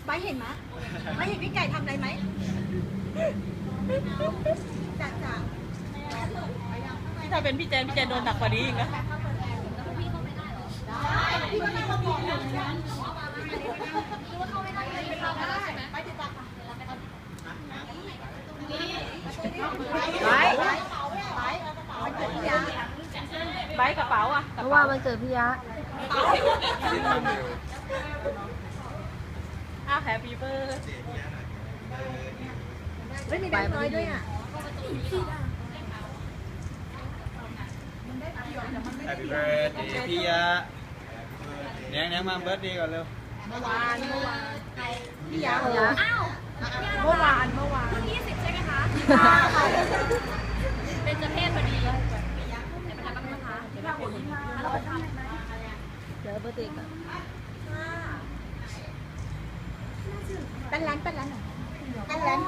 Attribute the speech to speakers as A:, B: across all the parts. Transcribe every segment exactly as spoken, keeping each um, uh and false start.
A: ใบเห็นไหมไม่เห็นพี่ไก่ทำอะไรไหมจัดจ้ะ
B: ถ้าเป็นพี่แจนพี่แจนโดนหนักกว่านี้อีกนะใบกระเป๋าอ่ะเพราะว่ามันเกิดพี่ยะอ้าวแฮปปี้เบิร์ด
A: ไม่มีแบงค์น้อยด้วยอ่ะ
C: แฮปปี้เบิร์ดเดย์พี่ยะเนียงเนียงมาเบิร์ดเดย์ก่อนเร็ว
A: เมื่อวานเมื่อวานพี่ยา
D: อ้าว
A: เมื่อวานเมื่อวาน
D: ยี่สิบใช่ไหมคะเป็นจะเพศพอดีเดี๋ยวมาทำกันนะคะเดี๋ยวมาคนเราทำ
B: เดี๋ยวเบอร์ติก
A: เป็นร้านเป็นร้านเป็นร้าน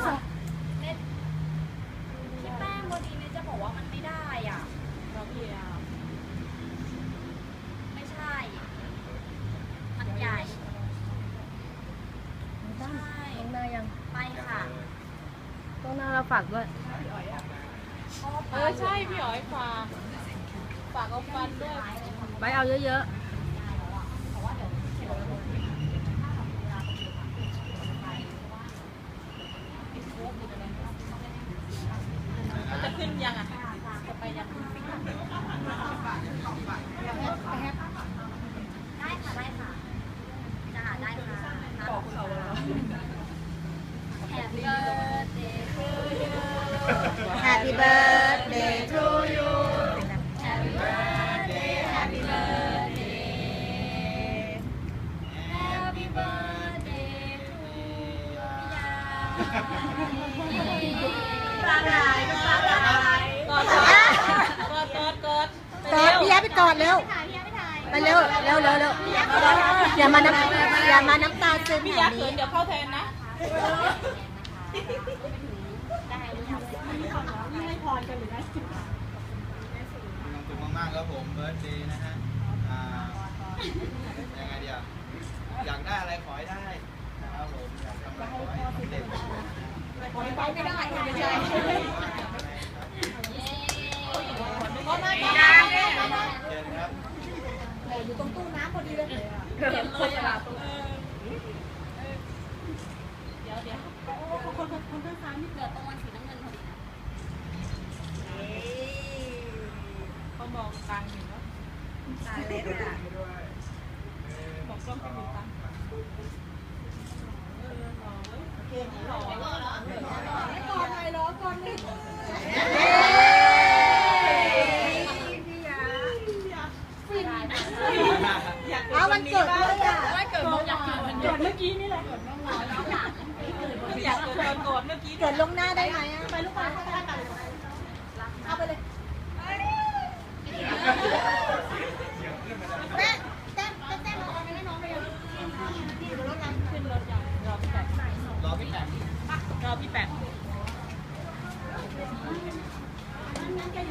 D: ที่แป้งพอดีเนี่ยจะบอกว่ามันไม่ได้อ่ะเราเพียไม่ใช่มันใหญ่ใช่ตรงหน้ายังไปค่ะ
B: ตรงหน้าเราฝากด้วยเออใช่พี่อ๋อยฝากฝากเอาฟันด้วยไปเอาเยอะๆจะขึ้นยังอ่ะจะไปยัง
D: ได้ค่ะได้ค่ะจะหาได้ค่ะบอกเขา Happy birthday to you
A: Happy birthday to you
D: Happy birthday Happy birthday Happy birthday to
A: ปลาไหลปลาไหล
B: กอดกอดกอด
A: กอดพี่ยาไปกอดเร็วไปเร็วเร็วเร็วเร็วอย่ามาน้ำอย่ามาน้ำตาซึม
B: พี่ยักษ์เขินเดี๋ยวเข้าแทนนะ
C: มีความสุขมากๆครับผมเบิร์ดเดย์นะฮะอ่ายังไงเดียวอยากได้อะไรขอให้ได้นะครับผมอยากทำอะไรขอให้สำเร็จ
A: ขอไปไม่ได้ไม่ใช่
C: เชิญครับ
A: อยู่ตรงตู้น้ำพอดีเลย
B: เก็บคนละเดี๋ยวเดี๋ยวคนคนคนข้างซ้ายนี่
D: เหลือตรงวันสีน้ำเงินพอดีนะ
B: เขามองตังอยู่เนาะ
A: ตาเล็กอ่ะ
B: บอกกล้องไปดูตังเออหล่อเว้ยเก่งหล่อหล่อหล่อ
A: ก่อนหน่อยรอก่อนหนึ่งเอาวันเกิดด้วยอ่ะ
B: วันเกิดอยากเกิดเมื่อกี้นี่แหละอยากเกิดก่อนเมื่อกี้
A: เกิดลงหน้าได้ไหมอ่ะไปลูกค้า